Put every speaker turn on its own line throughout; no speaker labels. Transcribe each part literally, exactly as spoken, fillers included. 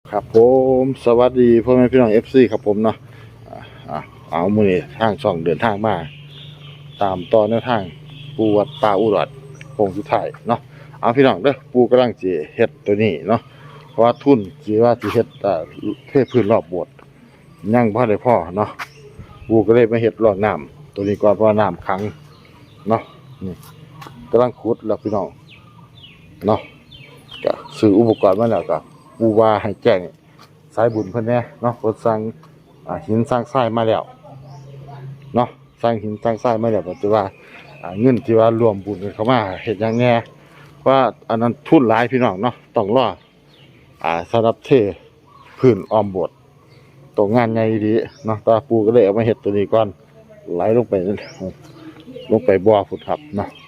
ครับผมสวัสดีพ่อแม่พี่น้อง เอฟ ซี ครับผมเนาะอ่าเอามื้อนี้ทางช่องเดินทางมาตามต่อแนวทางปูวัดป่าอุดรโค้งสุดท้ายเนาะเอาพี่น้องเด้อปูกำลังสิเฮ็ดตัวนี้เนาะเพราะว่าทุนสิว่าสิเฮ็ดอ่าเทพื้นรอบโบสถ์ยังบ่ได้พอเนาะปูก็เลยมาเฮ็ดรอดน้ำตัวนี้ก่อนเพราะว่าน้ำขังเนาะนี่กำลังขุดแล้วพี่น้องเนาะก็ซื้ออุปกรณ์มาแล้วก็ปูว่าให้แจ้งสายบุญเพิ่นแน่เนาะเพิ่นสั่งอ่าหินสร้างทรายมาแล้วเนาะสร้างหินสร้างทรายมาแล้วก็จะว่าอ่าเงินที่ว่ารวมบุญกันเข้ามาเฮ็ดหยังแน่เพราะอันนั้นทุนหลายพี่น้องเนาะต้องรออ่าสำหรับเทพื้นอ้อมโบสถ์ตรงงานใหญ่ดีเนาะตาปูก็เลยเอามาเฮ็ดตัวนี้ก่อนไหลลงไปลงไปบ่อพุ่นครับเนาะ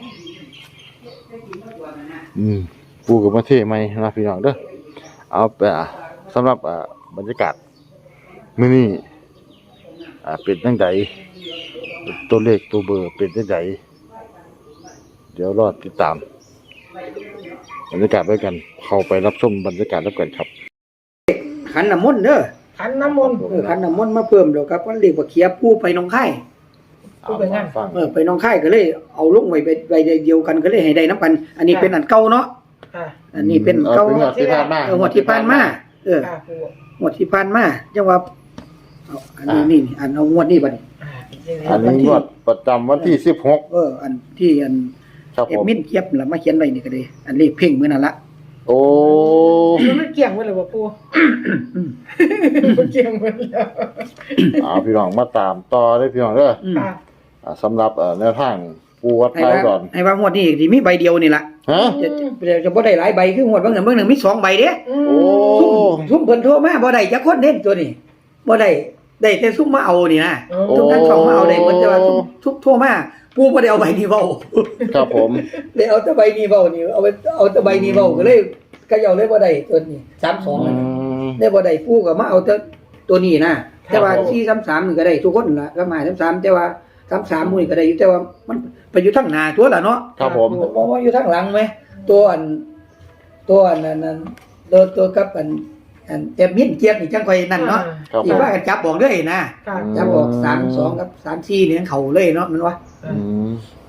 อืมปูก็มาเทใหม่นะพี่น้องเด้อเอาไปสำหรับบรรยากาศมื้อนี้อ่าเป็นจังไดตัวเลขตัวเบอร์เป็นจังไดเดี๋ยวรอติดตามบรรยากาศด้วยกันเข้าไปรับชมบรรยากาศแล้วกันครับ
ขันน้ำมนต์เด้อ
ขันน้ำมนต์
เออขันน้ำมนต์มาเพิ่มแล้วครับมันเรียกว่าเขียผู้ไปหนองคาย
ผู้ไปงาน
เออไปหนองคายก็เลยเอาลงไว้ไปเดียวกันก็เลยให้ได้น้ำกันอันนี้เป็นอันเก่าเนาะอันนี้เป็นเก่า
เป็นงวดที่ผ่านมา
เอองวดที่ผ่านมาเออ งวดที่ผ่านมาจังว่าเอาอันนี้นี่อันเอางวดนี้บัดนี้
อันนี้งวดประจำวันที่สิบหก
เอออันที่อันเอ็มมินเกียบล่ะมาเขียนไว้นี่ก็ได้อันเลขเพ่งมื้อนั้นละ
โอ้
มันเกี่ยงไว้เลยบ่ปู่มันเกี่ยงไว้แล้ว
อ่าพี่น้องมาตามต่อได้พี่น้องเด้ออ่าสำหรับแนวทางปูวัดไทยก่อน
ให้ว่างวดนี้สิมีใบเดียวนี่ล่ะ
ฮะ
จะจะบ่ได้หลายใบคืองวดบางนึงบางนึงมีสองใบเด้
โอ้
ซุ่มเพิ่นโทรมาบ่ได้จักคนเด้ตัวนี้บ่ได้ได้แต่ซุ่มมาเอานี่นะทุกท่านช่องมาเอาได้เพิ่นจะว่าทุกโทรมาปู่บ่ได้เอาใบนี้เว้า
ครับผม
ได้เอาแต่ใบนี้เว้านี่เอาเอาแต่ใบนี้เว้าก็เลยก็เอาเลยบ่ได้ตัวนี้สามสิบสองนั่นได้บ่ได้ปู่ก็มาเอาแต่ตัวนี้นะแต่ว่าสี่สามสามนี่ก็ได้ทุกคนล่ะก็มาสามสามแต่ว่าสามสามมื้อนี้ก็ได้อยู่แต่ว่ามันไปอยู่ทางหน้าตัวล่ะเนาะ
ครับผม
บ่ว่าอยู่ทางหลังมั้ยตัวอันตัวอันนั้นตัวตัวกับอันอันแอบมินเกียบนี่จังค่อยนั่นเนาะอีกว่ากันจับบอกเลยนะจับบอกสาม สองกับสาม สี่นี่เข้าเลยเนาะมันว่า
อืม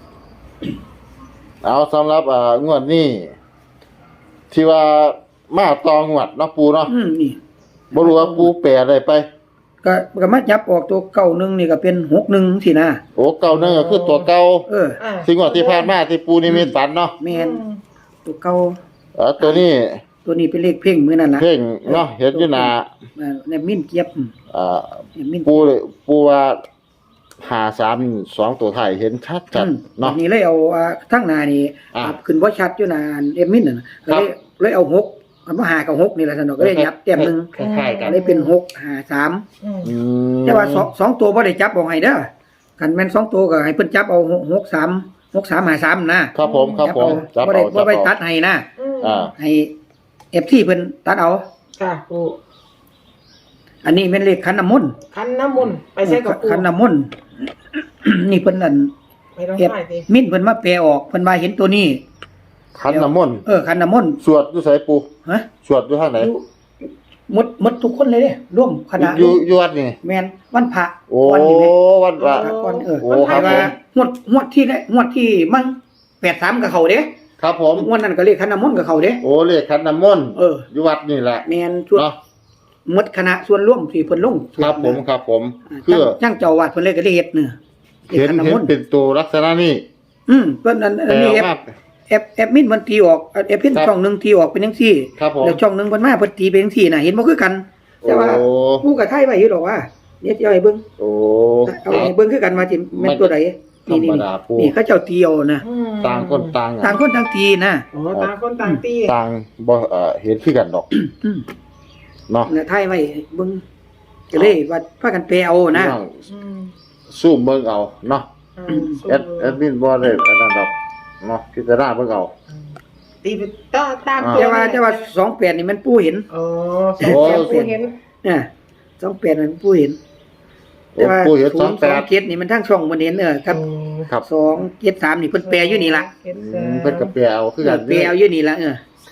เอาสำหรับอ่างวดนี้ที่ว่ามาตองวดเนาะปูเนาะ
อืมนี่
บ่รู้ว่าปูแปลได้ไป
ก็ก็มาจับออกตัวเก้าหนึ่งนี่ก็เป็นหกหนึ่งสินะ
โอ้เก้าหนึ่งก็คือตัวเก่า
เออ
สิ่งว่าที่ผ่านมาที่ปูนิมิตฝันเนาะ
แม่นตัวเก่า
เออตัวนี้
ตัวนี้เป็นเลขเพ่งมื้อนั้นน่ะ
เพ่งเนาะเห็นอยู่หน้า
แนบมินเกียบ
อ่าปูปูว่าห้าสามสองตัวท้ายเห็นชัดจัดเนาะ
นี่เลยเอาทั้งหน้านี่ขึ้นบ่ชัดอยู่หน้าเอ็มมินน่ะก็เลยเลยเอาหกเอามาหากับหกนี่แหละซั่นเนาะก็เลยยับแต้มนึง
คล้ายๆกัน
เลยเป็นหก ห้า สาม
อืม
แต่ว่าสอง สองตัวบ่ได้จับเอาให้เด้อคันแม่นสองตัวก็ให้เพิ่นจับเอาหก สาม หก สาม ห้า สามนะครับ
ผมครับผม
จับเอาบ่ได้บ่ได้ตัดให้นะ
อ่า
ให้ เอฟ ที เพิ่นตัดเอา
ค่ะปู่
อันนี้เป็นเลขขันน้ำมนต์
ขันน้ำมนต์ไปใช้กับปู่
ขันน้ำมนต์นี่เพิ่นนั่น
ไม่ต้องใช้สิ
มิ้นเพิ่นมาแปลออกเพิ่นว่าเห็นตัวนี้
ขันน้ำมนต์
เออขันน้ำมนต์
สวดอยู่ไสปู่
ฮะ
สวดอยู่ทางไหน
หมดหมดทุกคนเลยเด้ร่วมคณะ
อยู่อยู่วัดนี่
แม่นวันพระ
วันนี้วันพระ
ก่อนเออให้ว่างวดงวดที่งวดที่มั่งแปดสามกับเขาเด้
ครับผม
งวดนั้นก็เลขขันน้ำมนต์กับเขาเด้
โอ้เลขขันน้ำมนต์
เออ
อยู่วัดนี่แหละ
แม่นชุดหมดคณะส่วนร่วมที่เพิ่นลง
ครับผมครับผมคือ
จังเจ้าวัดเพิ่นเลยก็ได้เฮ็ดเนื้อ
เห็นเห็นเป็นตัวลักษณะนี้
อืมเพิ่นอันนี้แอปแอปมินมันตีออกแอปพินช่องนึงตีออกเป็นจังซี่แล้วช่องนึงเพิ่นมาเพิ่นตีเป็นจังซี่น่ะเห็นบ่คือกันแต่ว่าผู้ก็ไทยไว้อยู่ดอกว่าเดี๋ยวสิเอาให้เบิ่ง
โอ้
เอาให้เบิ่งคือกันว่าสิแม่นตัวใดนี่นี่นี่เขาเจ้าตีเอานะ
ต่างคนต่าง
ต่างคนต่างตีนะ
อ๋อต่างคนต่างตี
ต่างบ่เอ่อเห็นคือกันดอกเนาะ
เนี่ยไทยไว้เบิ่งก็เลยว่าพากันแปลเอานะ
ซูมเบิ่งเอาเนาะแอดแอดมินบ่ได้อันนั้นดอกเนาะพิจารณาเบิ่งเอา
ตีต่อตาม
แต่ว่าแต่ว่าสองแปดนี่มันปู่เห็น
อ๋อสองแปดปู่เห็น
น่ะสองแปดมันปู่เห็นแต่ว่า
ปู่เห็นสองแปด
เจ็ดนี่มันทั้งช่องบ่เห็นเออครับครับสอง เจ็ด สามนี่เพิ่นแปลอยู่นี่ล่ะ
เพิ่นก็แปลเอาคือกัน
แปลเอาอยู่นี่ล่ะเออ
ค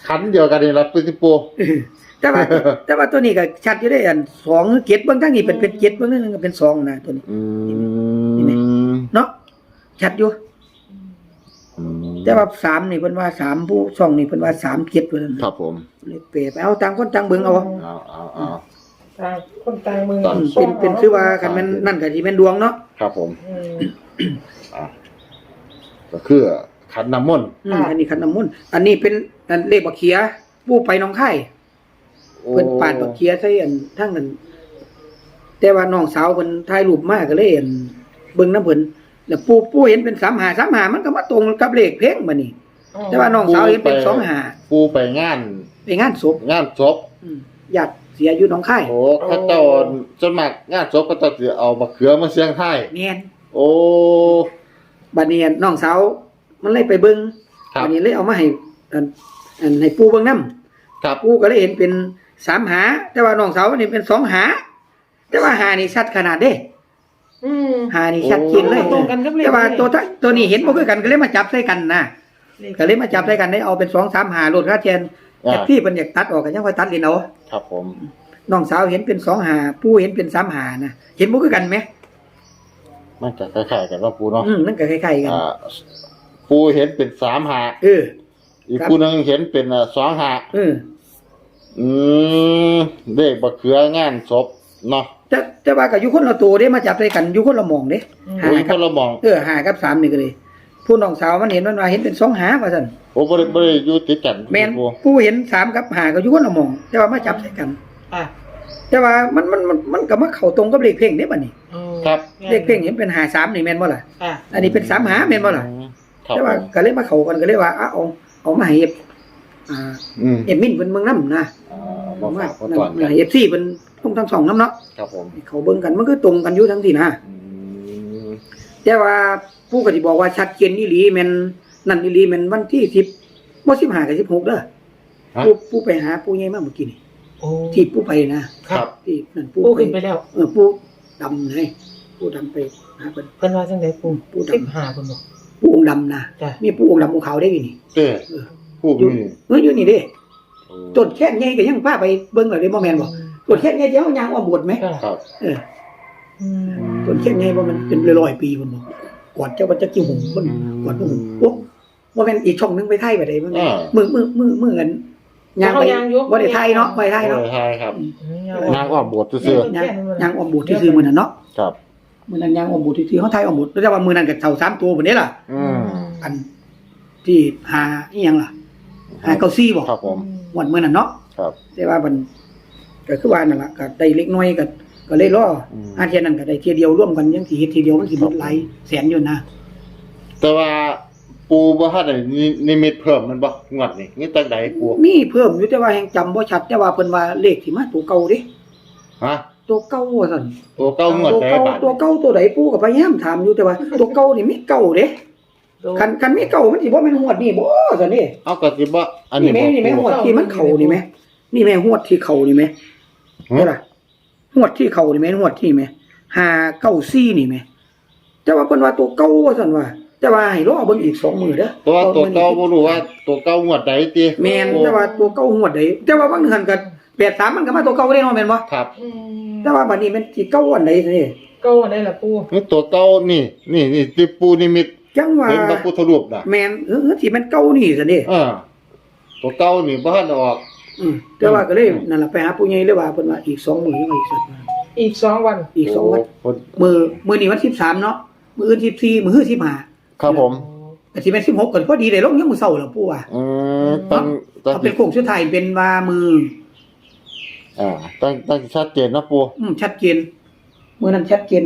ขันเดียวกันนี่ล่ะปูสิปู
แต่ว่า แต่ว่าตัวนี้ก็ชัดอยู่ได้อันสองเจ็ดเบิ่งทั้งนี้เป็นเป็นเจ็ดเบิ่งนั่นก็เป็นสองนะตัวนี้
อืม
เนาะชัดอยู่
อืม
แต่ว่าสามนี่เพิ่นว่าสามผู้ช่องนี่เพิ่นว่าสามเจ็ดเพิ่น
ครับผม
เลยเปรียบเอาต่างคนต่างเบิ่งเอา
เอาเอาเอา
ต่างคนต่างมือ
ต่าง
เป็นเป็นคือว่าคันแม่นนั่นก็สิแม่นดวงเนาะ
ครับผม
อืม
อ่ะก็คือขันน้ำมนต์
อืมอันนี้ขันน้ำมนต์อันนี้เป็นอันเลขบักเขียผู้ไปหนองคายเพิ่นปาดบักเขียใส่อันทั้งนั้นแต่ว่าน้องสาวเพิ่นถ่ายรูปมาก็เลยอันเบิ่งน้ำเพิ่นแล้วปู่ปู่เห็นเป็นสามห้า สามห้ามันก็มาตรงกับเลขเพลงบัดนี้ แต่ว่าน้องสาวเห็นเป็นสองห้า
ปูไปงาน
ไปงานศพ
งานศพ
อืมญาติเสียอยู่หนองคาย
โอ้เขาเจ้าจนมากงานศพก็ต้องสิเอามะเขือมาเสียงไทาย
แม่น
โอ้
บัดนี้น้องสาวมันเลยไปเบิ่ง
ครับ
บัดนี้เลยเอามาให้อันอันให้ปู่เบิ่งนำ
ครับ
ปู่ก็เลยเห็นเป็นสามหา แต่ว่าน้องสาวมันเห็นเป็นสองหา แต่ว่าหานี่ชัดขนาดเด้
อืม
หานี่ชัดเจนเลย
ตรงกันกับเลข
แต่ว่าตัวทั้งตัวนี้เห็นบ่คือกันก็เลยมาจับใส่กันนะก็เลยมาจับใส่กันได้เอาเป็นสอง สามหาโลดค่าแทน
อ่า
แต่พี่เพิ่นอยากตัดออกก็ยังค่อยตัดเล่นเอา
ครับผม
น้องสาวเห็นเป็นสองหาปู่เห็นเป็นสามหานะเห็นบ่คือกันไหม
มันจะคล้ายๆกันว่าปูเนาะ
อืมมันก็คล้ายๆกัน
อ่าปูเห็นเป็นสามหา
เออ
อีกปูหนึงเห็นเป็นอ่าสองหา
เออ
อืมเลขบักเขืองานศพเนาะ
แต่แต่ว่าก็อยู่คนละตัวเด้มาจับใส่กันอยู่คนละหม่องเด้
โอ้ย
หา
ค
กับ
นละมอง
เออหากับสามนี่ก็เลยผู้น้องสาวมันเห็นมันว่าเห็นเป็นสองหาว่าซั่น
โอ้บ่ได้บ่ได้อยู่ติดกัน
แม่น
ปู
ผู้เห็นสามกับหาก็อยู่คนละหม่อง แต่ว่ามาจับใส่กัน
อ่ะ
แต่ว่ามันมันมันมันก็มาเข้าตรงกับเลขเพ่งเด้บัดนี้
อืม
ครับ
เลขเพ่งเห็นเป็นหาสามนี่แม่นบ่ล่ะ
อ่ะ
อันนี้เป็นสามหาแม่นบ่ล่ะ
ครับ
แต่ว่า
ผม
ก็เลยมาเข้ากันก็เลยว่าเอาเอาเอามาให้เอฟอ่า
อืม
เอฟมินเพิ่นเบิ่งนำนะ
อ่า
เอา
มา
มา
ฝากมาก่อนกัน
เอฟซีเพิ่นต้องทั้งสองนำเนาะ
ครับผม
ให้เขาเบิ่งกันมันก็ตรงกันอยู่ทั้งที่นะ
อืม
แต่ว่าผู้ก็สิบอกว่าชัดเจนอีหลีแม่นนั่นอีหลีแม่นวันที่สิบบ่สิบห้ากับสิบหกเด้อ
ฮะ
ผู้ผู้ไปหาผู้ใหญ่มาเมื่อกี้นี่
โอ้
ที่ผู้ไปนะครับ ที่นั่นผู้
ปู
ไป
ขึ้นไปแล้ว
เออผู้ดำไงผู้ดำไปหาเพิ่น
เพิ่นว่าจังได๋ปู
ปูดำ
สิบห้าเพิ่นบอก
ผู้องค์ดำนะ
จ้ะ
มีผู้องค์ดำองค์ขาวได้อยู่นี่
เต้
เออ
ผู้
อยู่
มี
เอออยู่นี่เด้
โอ้
ต้นแค่ใหญ่ก็ยังพาไปเบิ่งแล้วเด้บ่แม่นบ่ต้นแค่ใหญ่เดี๋ยวยางอ้อมโบสถ์ไหม
จ้ะ
ครับ
เออ
อืม
ต้นแค่ใหญ่บ่มันเป็นร้อยๆปีพุ่นบ่ก่อนเจ้าว่าจะกี่หุ่มเพิ่นก่อนพุ่นโอ้บ่แม่นอีกช่องหนึงไปไทยไปได้บ่แม่นมือมือมือมือกันยางไปบ่ได้ไทยเนาะบ่ได้ไทยเนาะ
โอ้ใช่ครับ
อืม
นางอ้อมโบสถ์ซื่อ
ยางยางอ้อมโบสถ์ที่ซื้อมื้อนั้นเนาะ
ๆครับ
มื้อนั้นยางอ้อมโบสถ์ที่ซื้อเฮาไทยอ้อมโบสถ์แต่ว่ามื้อนั้นก็เท่าสามตัวพุ่นเด้ล่ะ
อืม
อันที่หาอีหยังล่ะหาเก้าซี่บ่
ครับผม
วันมื้อนั้นเนาะ
ครับ
แต่ว่ามันก็คือว่านั่นล่ะก็ได้เล็กน้อยก็ก็เลยรออ
ม
อาเทียนั้นก็ได้เทียเดียวร่วมกันยังสิเฮ็ดทีเดียวมันสิหมดหลายแสนอยู่นะ
แต่ว่าปูบ่ทันได้นินิมิตเพิ่มมันบ่งวดนี่นี่ตั้งใดปู
มีเพิ่มอยู่แต่ว่าแฮงจำบ่ชัดแต่ว่าเพิ่นว่าเลขที่มาตัวเก่าเด้
ฮะ
ตัวเก่าว่าซั่น
ตัวเก้างวด
ตัว
ใด
เก่า
บาด
ตัวเก่าตัวใดปู่ก็พยายามถามอยู่แต่ว่า ตัวเก่านี่มีเก่าเด้คันคันมีเก่ามันสิบ่แม่นฮวดนี่บ่ซั่นนี่
เอาก็สิบ่อันนี้
นี่แม่นี่แม่ฮวดที่มันเข้านี่แม่นี่แม่ฮวดที่เข้านี่แม่เด้ล่ะฮวดที่เข้านี่แม่ฮวดที่แม่ห้าเก้าสี่นี่แม่แต่ว่าเพิ่นว่าตัวเก่าว่าซั่นว่าแต่ว่าให้รอเบิ่งอีกสองมื้อเด้อ
ตัวตัวเก่าบ่รู้ว่าตัวเก่างวดใดติ
แม่นแต่ว่าตัวเก่าฮวดใดแต่ว่าบางนึงหั่นก็แปดสามมันก็มาตัวเก่าได้เนาะแม่นบ่
ครับ
อืม
แต่ว่าบัดนี้มันสิเก่าอันใดซั่นนี่
เก็ได้ล่ะปู
นี่ตัวเก่านี่นี่นี่ที่ปูนิมิต
จังว่า
เห็นพระพุทธรูปน่ะ
แม่นเออที่มันเก่านี่ซั่นนี่
เออตัวเก่านี่บ่ทันออก
อืมแต่ว่าก็เลยนั่นล่ะไปหาผู้ใหญ่เลยว่าเพิ่นว่าอีกสองมื้อยังว่าอีกสัก
อีกสองวัน
อีกสองวัน
โอ้
มื้อมื้อนี้วันสิบสามเนาะมื้ออื่นสิบสี่มื้อสิบห้า
ครับผม
ก็สิเป็นสิบหกก็พอดีได้ลงยามมื้อเช้าแล้วปู่ว่า
อืมตั้งตั้ง
เอาเป็นโค้งสุดท้ายเป็นว่ามือ
อ่าตั้งตั้งชัดเจนนะปู
อืมชัดเจนมื้อนั้นชัดเจน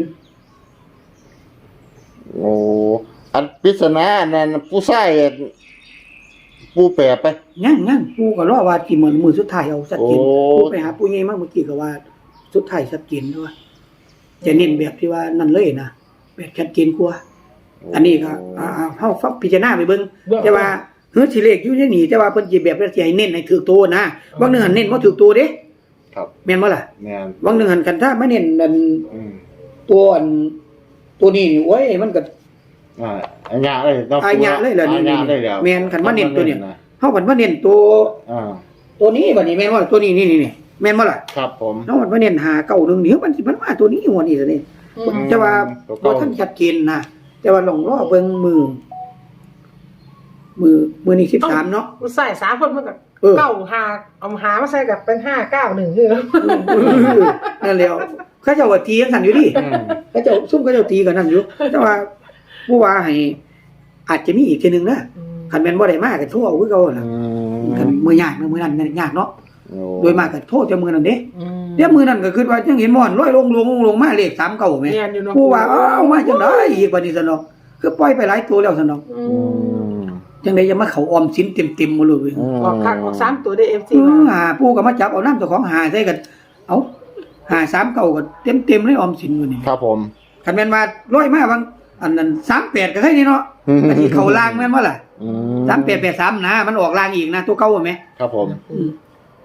โอ้อันปริศนาอันนั้นผู้ชายปูแปรไป
ยังยังปู่ก็รอว่าสิมื้อมื้อสุดท้ายเอาชัดเจน
โอ้
ปู่ไปหาปู่ใหญ่มาเมื่อกี้ก็ว่าสุดท้ายชัดเจนด้วยจะเน้นแบบที่ว่านั่นเลยนะแบบชัดเจนกว่าอันนี้ก็อ่าๆเฮาฟังพิจารณาไปเบิ่งแต่ว่าเฮือสิเลขอยู่ในนี่แต่ว่าเพิ่นสิแบบสิให้เน้นให้ถูกตัวนะบางเนึงหันเน้นบ่ถูกตัวเด้
ครับ
แม่นบ่ล่ะ
แม่น
บางเนึงหันกันถ้ามาเน้นอัน
อืม
ตัวอันตัวนี้นี่โอ้ยมันก็
อ่าอัญญาเลยเนาะ
อาญะเลยเหรอ
อา
นี่
ญะเลยแล้ว
แม่นคันมาเน้นตัวเนี่ย เฮเฮาบัดมาเน้นตัว
อ่า
ตัวนี้บัดนี้แม่นบ่ตัวนี้นี่นี่ๆแม่นบ่ล่ะ
ครับผม
เฮาบัดมาเน้นหาเก้าหนึ่งเดี๋ยวมันสิมันมาตัวนี้หัวนี่ซะนี่
อืม
แต่ว่าบ่ทันชัดเจนนะแต่ว่าลองรอเบิ่งมือ มือมือนี่สิบสามเนาะ
มันใส่สามคนมันก็
เออ
เก้าหาเอาหามาใส่กับเป็นห้าเก้าหนึ่งคือ
นั่นแล้วเขาเจ้าว่าตีกันสั่นอยู่ดิ
อืม
เขาเจ้าซุ่มเขาเจ้าตีกันนั่นอยู่แต่ว่าผู้ว่าให้อาจจะมีอีกทีหนึงนะคันแม่นบ่ได้มาก็โทรเอาคือเก่า
อื
ล่ะ
ม
คันมื้อยากนะมื้อนั้นยากเนาะ
โอ้
โดยมากก็โทรแต่มื้อนั้นเด้
อืม
เดี๋ยวมื้อนั้นก็คิดว่าจังเห็นม่อนลอยลงลงลงมาเลขสามเก้าแม่
เรียนอยู่เนาะ
ผู้ว่าอ้าวมาจังได๋อีกบัดนี้ซั่นเนาะคือปล่อยไปหลายตัวแล้วซั่นเนาะ
อื
อื
ม
ม
จังได๋จะมาเข้าออมสินเต็มๆหมดเลยเว้ย
อืม
ออกคักออกสามตัวได้เอฟ
เอ
ซี
อหาผู้ก็มาจับเอาน้ำเจ้าของหาใส่กัน เอาหาสามเก้าก็เต็มๆเลยออมสินอยู่นี่
ครับผม
คันแม่นว่าร้อยมาบางอันนั้นสามแปดก็ใช่นี่เนาะ
อืม
อันที่เขาล่างแม่นว่าล่ะ
อื
สามแปดแปดสามนะมันออกล่างอีกนะตัวเก่าไหม
ครับผม
อืม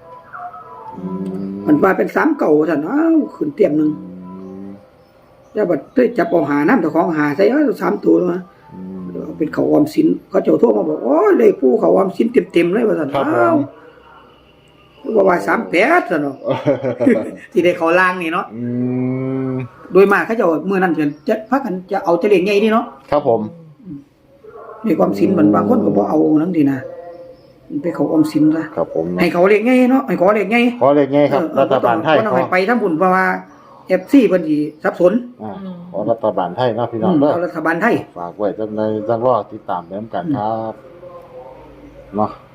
มันว่าเป็นสามเก่าซั่นอ้าวขึ้นเต็มหนึงแต่บัดเต้ยจับเอาหาน้ำเจ้าของหาใส่เอ้ยสามตัวมา
อืม
เอาเป็นเขาออมสินเขาเจ้าโทรมาบอกโอ้ยเลขผู้เขาออมสินเต็มๆเลยว่าซั่น
ครับผม
อ้าวว่าว่าสามแปดซั่นเนาะ ที่ได้เขาล่างนี่เนาะ
อืม
โดยมากเขาเจะเมื่อนั้นจะจะพักกันจะเอาจะเลี้ยงใหญ่นี่เนาะ
ครับผม
ในความสินมันบางคนก็บ่เอานั่นดีนะมันไปเขาออมสินซะ
ครับผม
ให้เขาเลี้ยงใหญ่เนาะให้เขาเลี้ยงใหญ่
ขอเลขไงครับ
เออ
รัฐบาลไทย
บ่ต้อง
ขอ
ให้ไปทั้งบุญเพราะว่า เอฟ ซี เพิ่นสิสับสน
อ่าขอรัฐบาลไทยเนาะพี่น้
อื
อง
ม
เด้อ
เอารัฐบาลไทย
ฝากไว้จังในจังรอติดตามไปนำกันครับเนาะ